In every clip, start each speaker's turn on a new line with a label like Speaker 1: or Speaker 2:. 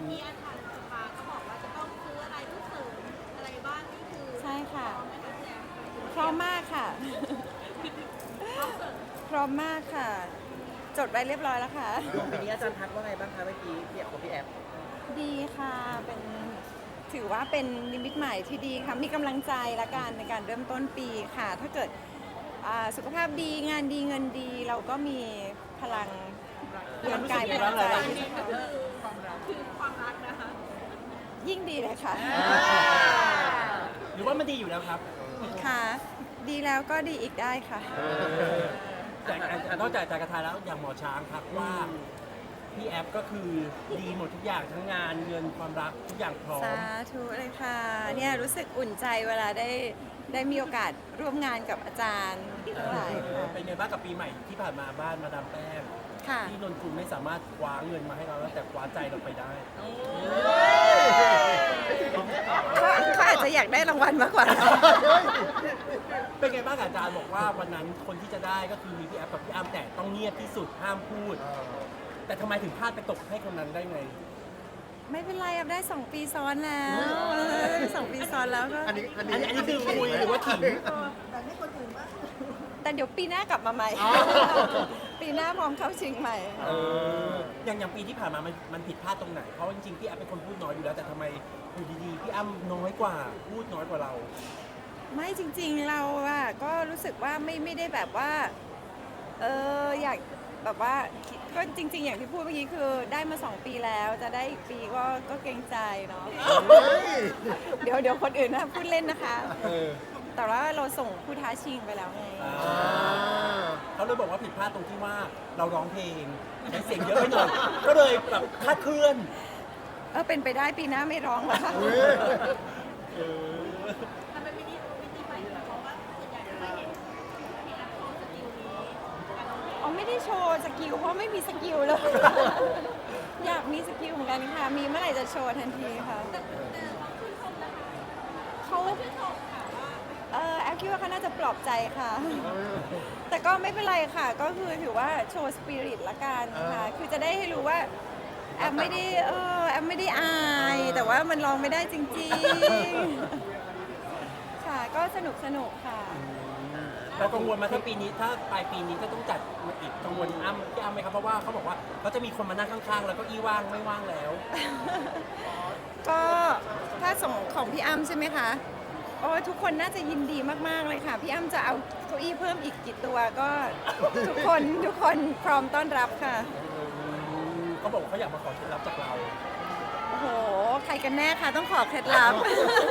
Speaker 1: มื่อกี้อาจารย์สภาก็บอกว่าจะต้องซื้ออะไรเพื่อเสริมอะไรบ้างนี่คือ
Speaker 2: ใช่ค่ะ
Speaker 1: พร้อมไหมคะพี่แอม
Speaker 2: พร้อมมากค่ะ
Speaker 1: พร้อมเสริม
Speaker 2: พร้อมมากค่ะ จดไว้เรียบร้อยแล้วค่ะ
Speaker 3: ปีนี้อาจารย์ทักว่าไงบ้างคะเมื่อกี้พี่แอฟกับพี่แอฟ
Speaker 2: ดีค่ะเป็นถือว่าเป็นนิมิตใหม่ที่ดีค่ะมีกำลังใจละกันในการเริ่มต้นปีค่ะ ถ้าเกิดสุขภาพดีงานดีเงินดีเราก็มีพลังเรือนกายพลังใจที่จะท
Speaker 1: คือความรักนะคะ
Speaker 2: ำยิ่งดีเลยค่ะ
Speaker 4: หรือว่ามันดีอยู่แล้วครับ
Speaker 2: ค่ะ ดีแล้วก็ดีอีกได้ค่ะ
Speaker 4: แต่นอกจากจากกระทายแล้วอย่างหมอช้างครับว่าพี่แอฟก็คือดีหมดทุกอย่างทั้งงานเงินความรักทุกอย่างพร้อม
Speaker 2: สาธุเลยค่ะเนี่ยรู้สึกอุ่นใจเวลาได้มีโอกาสร่วมงานกับอาจารย์ทั้งหลายค่ะ
Speaker 4: เป็นไงบ้างกับปีใหม่ที่ผ่านมาบ้านมาดามแป้ง
Speaker 2: ค่ะ
Speaker 4: ที่นนกุลไม่สามารถคว้าเงินมาให้เราแล้วแต่คว้าใจเราไปได้
Speaker 2: เขาอาจจะอยากได้รางวัลมากกว่า
Speaker 4: เป็นไงบ้างอาจารย์บอกว่าวันนั้นคนที่จะได้ก็คือมีพี่แอฟกับพี่อ้ำแต่ต้องเงียบที่สุดห้ามพูด แต่ทำไมถึงพลาดไปตกให้คนนั้นได้ไง
Speaker 2: ไม่เป็นไรอับได้2 ปีซ้อนแล้ว2 ปีซ้อนแล้วก็
Speaker 3: อันนี้
Speaker 4: อันนี้คือคุยหรือว่าขิง
Speaker 2: แต่เดี๋ยวปีหน้ากลับมาใหม่ ปีหน้าพร้อมเข้าชิงใหม่
Speaker 4: อย่างปีที่ผ่านมามันผิดพลาดตรงไหน เพราะจริงๆพี่แอฟเป็นคนพูดน้อยอยู่แล้วแต่ทำไมอยู่ดีๆพี่อ้ำน้อยกว่าพูดน้อยกว่าเรา
Speaker 2: ไม่จริงๆเราอะก็รู้สึกว่าไม่ได้แบบว่าอยากแบบว่าก็จริง ๆ อย่างที่พูดเมื่อกี้คือได้มา2 ปีแล้วจะได้อีกปีก็เกรงใจเนาะเดี๋ยวคนอื่นนะพูดเล่นนะคะ แต่ว่าเราส่งผู้ท้าชิงไปแล้วไง
Speaker 4: เขาเลยบอกว่าผิดพลาดตรงที่ว่าเราร้องเพลงใช้เสียงเยอะไปหน่อย ก็เลยแบบคลาดเคลื่อน
Speaker 2: เป็นไปได้ปีหน้าไม่ร้องแล้วค่ะ
Speaker 1: ทำไมไม่ได้ใหม่เพราะว่าส่วนใหญ่จะไม่เห็นพี่แอมโชว์สกิลนี้การร้องเพลง
Speaker 2: อ๋อไม่ได้โชว์สกิลเพราะไม่มีสกิลเลย อยากมีสกิลเหมือนกันค่ะ มีเมื่อไหร่จะโชว์ทันทีค่ะ
Speaker 1: เขาชื่นชมนะคะ
Speaker 2: เขา
Speaker 1: ชื่นชมค่ะว่า
Speaker 2: แอฟคิดว่าเขาน่าจะปลอบใจค่ะ แต่ก็ไม่เป็นไรค่ะ ก็คือถือว่าโชว์สปิริตละกันค่ะ คือจะได้ให้รู้ว่าแอฟไม่ได้แอฟไม่ได้อาย แต่ว่ามันร้องไม่ได้จริงๆ ค่ะ ก็สนุกค่ะ
Speaker 4: เรากังวลมาทั้งปีนี้ถ้าปลายปีนี้ก็ต้องจัดอีกกังวลอ้ำพี่อ้ำไหมครับเพราะว่าเขาบอกว่าเขาจะมีคนมานั่งข้างๆ แล้วก็อี้ว่างไม่ว่างแล้ว
Speaker 2: ก็ถ้าส่งของพี่อ้ำใช่ไหมคะโอ้ยทุกคนน่าจะยินดีมากๆเลยค่ะ พี่อ้ำจะเอาเก้าอี้เพิ่มอีกกี่ตัวก็ ทุกคนพร้อมต้อนรับค่ะ
Speaker 4: เขาบอกว่าเขาอยากมาขอเคล็ดลับจากเรา
Speaker 2: โอ้โห ใครกันแน่คะต้องขอเคล็ดลับ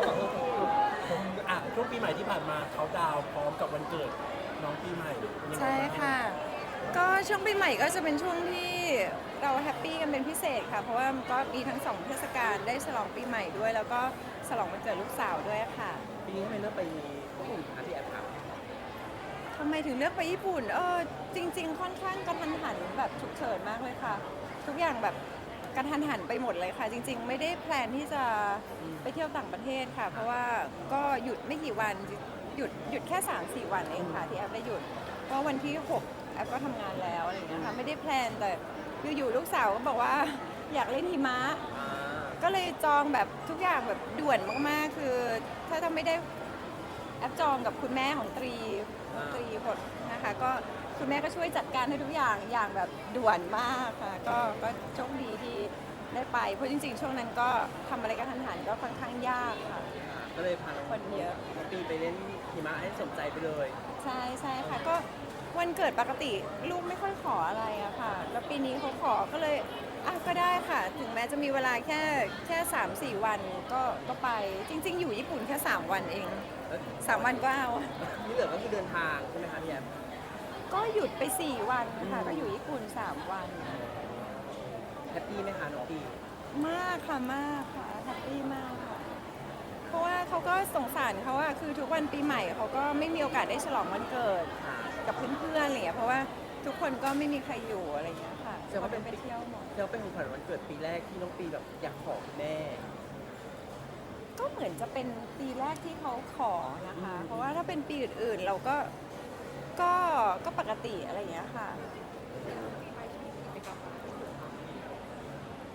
Speaker 4: ช่วงปีใหม่ที่ผ่านมาเขาดาวน์พร้อมกับวันเกิดน้องปีใหม่เป็นยังไง
Speaker 2: ใช่
Speaker 4: บ้าง
Speaker 2: ค่ะ ก็ช่วงปีใหม่ก็จะเป็นช่วงที่เราแฮปปี้กันเป็นพิเศษค่ะ เพราะว่ามันก็มีทั้ง2 เทศกาลได้ฉลองปีใหม่ด้วย แล้วก็ฉลองวันเกิดลูกสาวด้วยค่ะ
Speaker 3: ปีนี้ทำไมเลือกไปญี่ปุ่นคะพี่แอฟครับ
Speaker 2: ทำไมถึงเลือกไปญี่ปุ่นจริง ๆ ค่อนข้างกระทันหันแบบฉุกเฉินมากเลยค่ะ ทุกอย่างแบบกระทันหันไปหมดเลยค่ะ จริง ๆ ไม่ได้แพลนที่จะไปเที่ยวต่างประเทศค่ะ เพราะว่าก็หยุดไม่กี่วันหยุดแค่ 3-4 วันเองค่ะที่แอฟได้หยุดเพราะวันที่ 6แอฟก็ทำงานแล้วอะไรอย่างเงี้ยค่ะไม่ได้แพลนแต่อยู่ๆลูกสาวก็บอกว่าอยากเล่นหิมะ ก็เลยจองแบบทุกอย่างแบบด่วนมากๆ คือถ้าไม่ได้แอปจองกับคุณแม่ของตรีผลนะคะก็คุณแม่ก็ช่วยจัดการให้ทุกอย่างอย่างแบบด่วนมากค่ะก็โชคดีที่ได้ไปเพราะจริงๆ ช่วงนั้นก็ทำอะไรกันทันหันก็ค่อนข้างยากค่ะ
Speaker 3: ก็เลยพาน้อง
Speaker 2: คนเยอะ
Speaker 3: น้องปีไปเล่นหิมะให้สมใจไปเลย
Speaker 2: ใช่ค่ะก็วันเกิดปกติลูกไม่ค่อยขออะไรอะค่ะ แล้วปีนี้เขาขอก็เลยก็ได้ค่ะ ถึงแม้จะมีเวลาแค่3-4 วันก็ไปจริง ๆ อยู่ญี่ปุ่นแค่3 วันเอง
Speaker 3: แล้ว
Speaker 2: 3 วันก็เอา
Speaker 3: ที่เหลือก็คือเดินทางใช่ไหมคะพี่แอฟ
Speaker 2: ก็หยุดไป4 วันค่ะก็อยู่ญี่ปุ่น3 วัน
Speaker 3: แฮปปี้ไหมคะน้องปี
Speaker 2: มากค่ะมากค่ะแฮปปี้มากค่ะ เพราะว่าเขาก็สงสารเขาอะคือทุกวันปีใหม่เขาก็ไม่มีโอกาสได้ฉลองวันเกิด
Speaker 3: ค่ะ
Speaker 2: กับเพื่อนๆอะไรอย่างเงี้ยเพราะว่าทุกคนก็ไม่มีใครอยู่อะไรอย่างเงี้ยค่ะ
Speaker 3: แต่ว่า
Speaker 2: เขาไปเที่ยวหมด
Speaker 3: เธอเป็นของขวัญวันเกิดปีแรกที่น้องปีแบบอยากขอคุณแม่
Speaker 2: ก็เหมือนจะเป็นปีแรกที่เขาขอนะคะ เพราะว่าถ้าเป็นปีอื่นๆเราก็ปกติอะไรอย่างเงี้ยค่ะอุ๊ย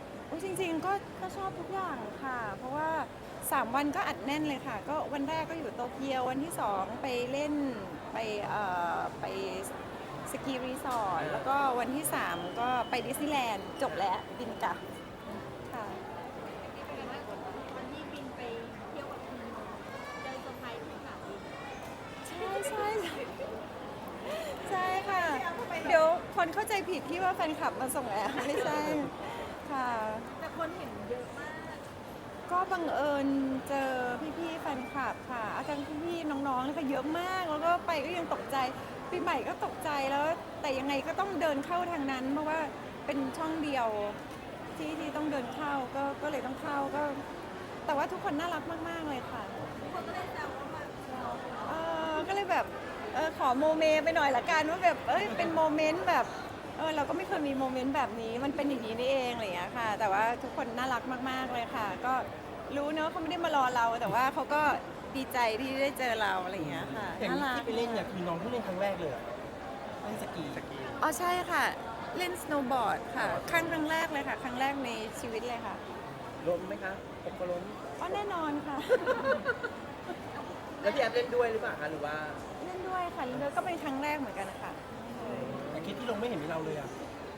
Speaker 2: จริงๆก็ชอบทุกอย่างค่ะ เพราะว่า 3 วันก็อัดแน่นเลยค่ะ ก็วันแรกก็อยู่โตเกียววันที่ 2 ไปเล่นไปสกีรีสอร์ทแล้วก็วันที่ 3 ก็ไปดิสนีย์แลนด์จบแล้วบินกลับค่ะ
Speaker 1: วันที่บินไปเที่ยวกับคุณเจอเซอร์ไพรส์ที่สนามบิน
Speaker 2: ใช่ใช่ค่ะ เดี๋ยวคนเข้าใจผิดที่ว่าแฟนคลับมาส่งแอร์ไม่ใช่ค่ะ
Speaker 1: แต่คนเห็นเยอะมาก
Speaker 2: ก็บังเอิญเจอพี่ๆแฟนคลับค่ะ อาจารย์พี่ๆน้องๆนะคะเยอะมาก แล้วก็ไปก็ยังตกใจปีใหม่ก็ตกใจแล้ว แต่ยังไงก็ต้องเดินเข้าทางนั้น เพราะว่าเป็นช่องเดียวที่ต้องเดินเข้าก็เลยต้องเข้าก็ แต่ว่าทุกคนน่ารักมากๆเลยค่ะ
Speaker 1: ทุกคนก็เลยแซวว่าแบบ
Speaker 2: ก็เลยแบบขอโมเมไปหน่อยละกันว่าแบบเป็นโมเมนต์แบบเราก็ไม่เคยมีโมเมนต์แบบนี้มันเป็นอย่างนี้นี่เองอะไรอย่างเงี้ยค่ะ แต่ว่าทุกคนน่ารักมากๆเลยค่ะ ก็รู้เนอะเขาไม่ได้มารอเรา แต่ว่าเขาก็ดีใจที่ได้เจอเราอะไรอย่างเงี้ยค่ะ
Speaker 4: อย่าง
Speaker 2: น่ารัก
Speaker 4: ที่ไปเล่นเนี่ยคือน้องเพิ่งเล่นครั้งแรกเลยเหรอเล่นสกี
Speaker 2: อ๋อใช่ค่ะ เล่นสโนว์บอร์ดค่ะครั้งแรกเลยค่ะ ครั้งแรกในชีวิตเลยค่ะ
Speaker 3: ล้มไหมคะผมก็ล้ม
Speaker 2: อ๋อแน่นอนค่ะ
Speaker 3: แล้วพี่แอฟเล่นด้วยหรือเปล่าคะหรือว่า
Speaker 2: เล่นด้วยค่ะเล่นด้วยก็เป็นครั้งแรกเหมือนกันนะคะ
Speaker 4: แต่คลิปที่ลงไม่เห็นมีเราเลยอ่ะ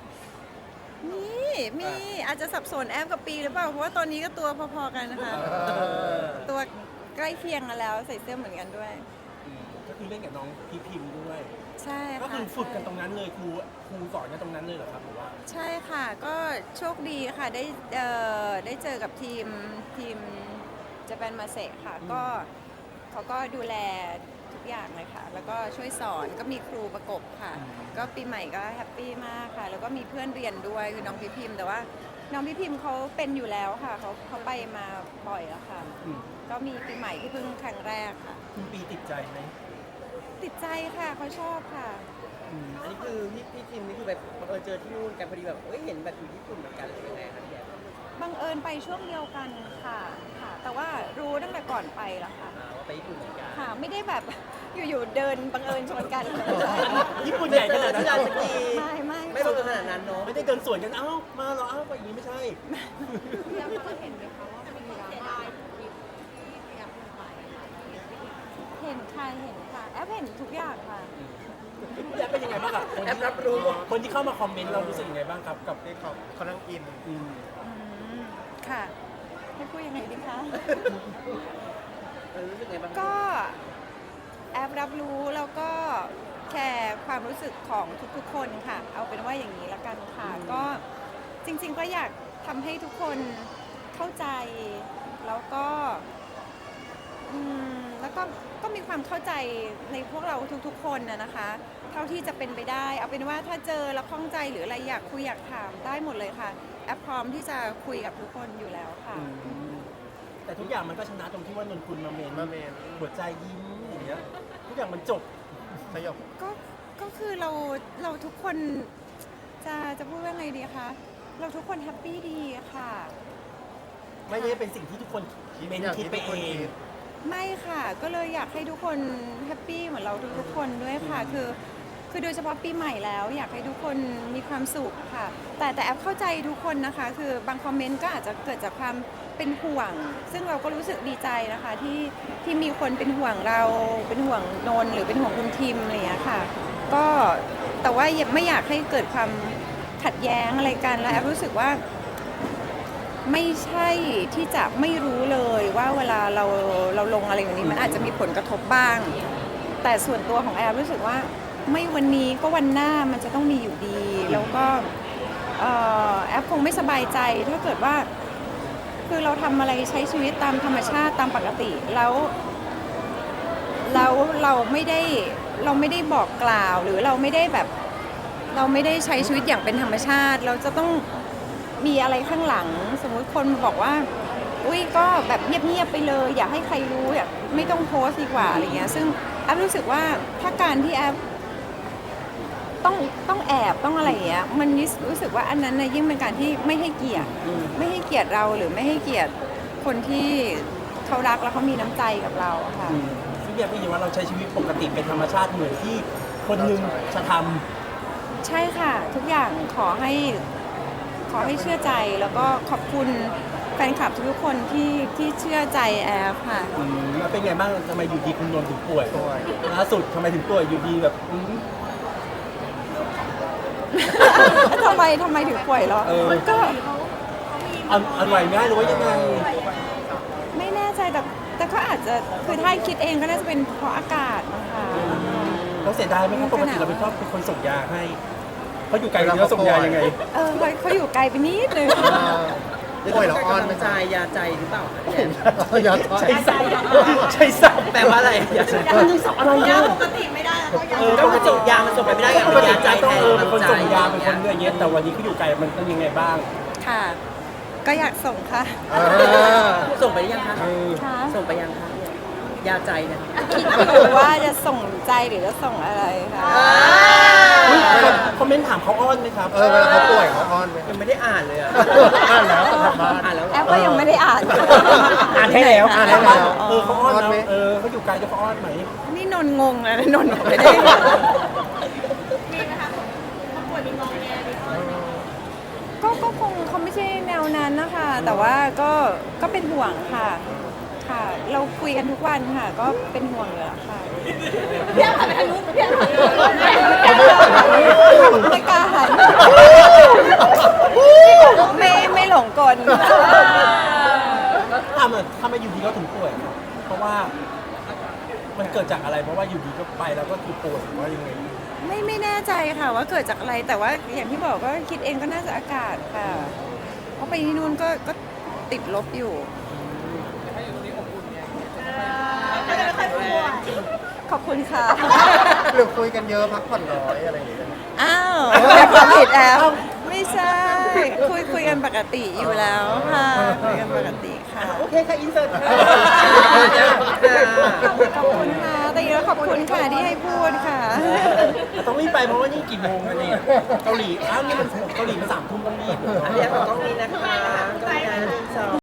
Speaker 2: มีอาจจะสับสนแอปกับปีหรือเปล่า เพราะว่าตอนนี้ก็ตัวพอๆกันนะคะ ตัวใกล้เคียงกันแล้วใส่เสื้อเหมือนกันด้วย
Speaker 4: ก็คือเล่นกับน้องพีพิมพ์ด้วย
Speaker 2: ใช่ค่ะ
Speaker 4: ก็คือฝึกกันตรงนั้นเลยครูสอนกันตรงนั้นเลยเหรอครับหรือว่า
Speaker 2: ใช่ค่ะ ก็โชคดีค่ะได้เจอกับทีมจะเป็นมาเซค่ะ ก็เขาก็ดูแลทุกอย่างเลยค่ะ แล้วก็ช่วยสอนก็มีครูประกบค่ะ ก็ปีใหม่ก็แฮปปี้มากค่ะ แล้วก็มีเพื่อนเรียนด้วยคือน้องพี่พิมพ์แต่ว่าน้องพี่พิมพ์เขาเป็นอยู่แล้วค่ะเขาไปมาบ่อยแล้วค่ะ
Speaker 4: อืม
Speaker 2: ก็มีปีใหม่ที่เพิ่งครั้งแรกค่ะ
Speaker 4: คุณปีติดใจไหม
Speaker 2: ติดใจค่ะเขาชอบค่ะ
Speaker 3: อันนี้คือพี่ทีมนี่คือแบบบังเอิญเจอที่นู่นกันพอดีแบบเห็นแบบอยู่ญี่ปุ่นเหมือนกันหรือยังไงคะพี่แอฟ
Speaker 2: บังเอิญไปช่วงเดียวกันค่ะ แต่ว่ารู้ตั้งแต่ก่อนไปแล้วค่ะ
Speaker 3: ว่าไปญี่ปุ่นเหมือนกัน
Speaker 2: ค่ะ ไม่ได้แบบอยู่ๆเดินบังเอิญชนกันเลย
Speaker 4: ญี่ปุ่นใหญ่ขนาดนั้น
Speaker 3: ที่ลานสกี
Speaker 2: ไม่
Speaker 3: ไม่บังเอิญขนาดนั้นเนาะ
Speaker 4: ไม่ได้เดินสวนกันเอ้ามาเหรอเอ้าไปอย่างนี้ไม่ใช่
Speaker 1: พี่แอฟก็เห็นไหมคะว่ามีคนเสียดายคลิปที่พี่แอฟลงไป
Speaker 2: เห็นค่ะแอปเห็นทุกอย่างค่ะ
Speaker 4: พี่แอฟเป็นยังไงบ้างกับคน
Speaker 3: แอ
Speaker 4: ที่
Speaker 3: ปรับรู้
Speaker 4: คนที่เข้ามาคอมเมนต์เรารู้สึกยังไงบ้างครับกับ
Speaker 5: ที่เขานั่งอิน
Speaker 4: อืม
Speaker 2: ค่ะ ให้พูดยังไงดีคะ
Speaker 3: รู้สึกไงบ้าง
Speaker 2: ก็แอปรับรู้แล้วก็แคร์ความรู้สึกของทุกๆคนค่ะ เอาเป็นว่าอย่างนี้ละกันค่ะ ก็จริงๆก็อยากทำให้ทุกคนเข้าใจแล้วก็แล้วก็มีความเข้าใจในพวกเราทุกๆคนนะคะ เท่าที่จะเป็นไปได้ เอาเป็นว่าถ้าเจอแล้วข้องใจหรืออะไรอยากคุยอยากถามได้หมดเลยค่ะ แอปพร้อมที่จะคุยกับทุกคนอยู่แล้วค่ะ
Speaker 4: แต่ทุกอย่างมันก็ชนะตรงที่ว่านนคุณมาเมน
Speaker 5: มาเมน
Speaker 4: หัวใจยิ้มอย่างเงี้ยทุกอย่างมันจบ
Speaker 5: สยบ
Speaker 2: ก็คือเราทุกคนจะพูดว่าไงดีคะเราทุกคนแฮปปี้ดีค่ะ
Speaker 4: ไม่ได้เป็นสิ่งที่ทุกคนเมนคิดไปเอง
Speaker 2: ไม่ค่ะ ก็เลยอยากให้ทุกคนแฮปปี้เหมือนเราทุกๆคนด้วยค่ะ คือโดยเฉพาะปีใหม่แล้ว อยากให้ทุกคนมีความสุขค่ะ แต่แอปเข้าใจทุกคนนะคะ คือบางคอมเมนต์ก็อาจจะเกิดจากความเป็นห่วง ซึ่งเราก็รู้สึกดีใจนะคะที่มีคนเป็นห่วงเราเป็นห่วงนนท์หรือเป็นห่วงคุณทิมอะไรอย่างเงี้ยค่ะ ก็แต่ว่าไม่อยากให้เกิดความขัดแย้งอะไรกันแล้วแอปรู้สึกว่า ไม่ใช่ที่จะไม่รู้เลยว่าเวลาเราลงอะไรอย่างนี้มันอาจจะมีผลกระทบบ้าง แต่ส่วนตัวของแอปรู้สึกว่าไม่วันนี้ก็วันหน้ามันจะต้องมีอยู่ดี แล้วก็แอปคงไม่สบายใจถ้าเกิดว่าคือเราทำอะไรใช้ชีวิตตามธรรมชาติตามปกติแล้วเราไม่ได้บอกกล่าวหรือเราไม่ได้ใช้ชีวิตอย่างเป็นธรรมชาติเราจะต้องมีอะไรข้างหลังสมมุติคนมาบอกว่าอุ้ยก็แบบเงียบๆไปเลยอย่าให้ใครรู้อย่าไม่ต้องโพสต์ดีกว่าอะไรเงี้ยซึ่งแอปรู้สึกว่าถ้าการที่แอปต้องแอบต้องอะไรอย่างเงี้ยมันรู้สึกว่าอันนั้นนะยิ่งเป็นการที่ไม่ให้เกียรติเราหรือไม่ให้เกียรติคนที่เขารักแล้วเขามีน้ำใจกับเราค่ะ
Speaker 4: ซึ่งอยากให้เห็นว่าเราใช้ชีวิตปกติเป็นธรรมชาติเหมือนที่คนหนึงจะท
Speaker 2: ใช่ค่ะ ทุกอย่างขออให้เชื่อใจแล้วก็ขอบคุณแฟนคลับทุกคนที่เชื่อใจแอฟค่ะ
Speaker 4: มันเป็นไงบ้างทำไมอยู่ดีคุณนนท์ถึงป่วยล่าสุดทำไมถึงป่วยอยู่ดีแบบ
Speaker 2: ทำไมถึงป่วยเหรอ มันก็
Speaker 4: เอาไหวง่ายหรือว่ายังไง
Speaker 2: ไม่แน่ใจแต่ก็อาจจะคือถ้าคิดเองก็น่าจะเป็นเพราะอากาศนะคะ
Speaker 4: เราเสียดายไหมครับปกติเราเป็นชอบเป็นคนส่งยาให้เขาอยู่ไกลแล้วส่งยายังไง
Speaker 2: เขาอยู่ไกลไปนิดนึง
Speaker 3: ป่วยเหรอออนมันใจยาใจหรือเปล่าคะพี่แอน
Speaker 4: ใช่สับใช่สับ
Speaker 3: แปลว่าอะไรยาใจ
Speaker 4: มันยังสับอะไร
Speaker 1: ยา
Speaker 4: เนี่ย
Speaker 1: ปกติไม่ได้แล้วก็ยา
Speaker 3: ก็มันส่งยามันส่งไปไม่ได้ไง
Speaker 4: ป
Speaker 3: มัน
Speaker 4: กติ
Speaker 3: ยาใจ
Speaker 4: ต้อง
Speaker 3: แทน
Speaker 4: เป็นคนส่งยาเป็นคนอย่างเงี้ยแต่วันนี้เขาอยู่ไกลมันต้องยังไงบ้าง
Speaker 2: ค่ะ ก็อยากส่งค่ะ
Speaker 3: ส่งไปหรือยังคะ
Speaker 2: ค่ะ
Speaker 3: ส่งไปยังคะยาใจเนี่ย
Speaker 2: คิดอยู่ว่าจะส่งใจหรือจะส่งอะไรค่ะ
Speaker 4: คอมเมนต์ถามเขาอ้อนไหมครับ
Speaker 5: เวลาเขาป่วยเขาอ้อนไหม
Speaker 3: ยังไม่ได้อ่านเลยอ่ะ
Speaker 5: อ่านแล้วกลับบ้าน
Speaker 3: อ่านแล้วเหร
Speaker 2: แอ
Speaker 3: อ
Speaker 2: ปก็ยังไม่ได้อ่าน
Speaker 4: อ่านให้แล้ว
Speaker 5: อ่านให้แล้ว
Speaker 4: เขาอ้อน
Speaker 5: อ้อนไหม
Speaker 4: นะเขาอยู่ไกลจะเขาอ้อนไหม
Speaker 2: นี่นนท์งงแล้วนะนนท์บอกไม่ได้
Speaker 1: มีไหมคะเขาป่วยมีงอแงมีข้อไหม
Speaker 2: ก็คงเขาไม่ใช่แนวนั้นนะคะ แต่ว่าก็เป็นห่วงค่ะ ค่ะ เราคุยกันทุกวันค่ะ ก็เป็นห่วงอยู่แล้วค่ะ
Speaker 1: พี่อ้ำหันไปทางนู้นพี่อ้ำหันไปทางนู้น
Speaker 2: ไม่กล้าหันไม่หลงกล
Speaker 4: ทำไมอยู่ดีก็ถึงป่วยครับเพราะว่ามันเกิดจากอะไรเพราะว่าอยู่ดีก็ไปแล้วก็คือป่วยหรือว่ายังไง
Speaker 2: ไม่แน่ใจค่ะว่าเกิดจากอะไร แต่ว่าอย่างที่บอกก็คิดเองก็น่าจะอากาศค่ะ เพราะไปที่นู่นก็ติดลบอยู่
Speaker 1: ก็จะไม่ค่อยป่วย
Speaker 2: ขอบคุณค่ะ
Speaker 5: หรือคุยกันเยอะพักผ่อนน้อยอะไรอย่างเงี้ย
Speaker 2: อ้าวเป็นความผิดแอลไม่ใช่ คุยกันปกติอยู่แล้วค่ะคุยกันปกติค่ะ
Speaker 3: โอเคค่ะอินเสิร์ตค่ะ
Speaker 2: ขอบคุณค่ะแต่เยอะขอบคุณค่ะที่ให้พูดค่ะ
Speaker 4: ต้องรีบไปเพราะว่านี่กี่โมงแล้วเนี่ยเกาหลีอ้าวนี่มันเกาหลีมัน3 ทุ่มต้องรีบ
Speaker 3: อันนี้ของกล้องนี้นะคะกล้องนี้นะ1 2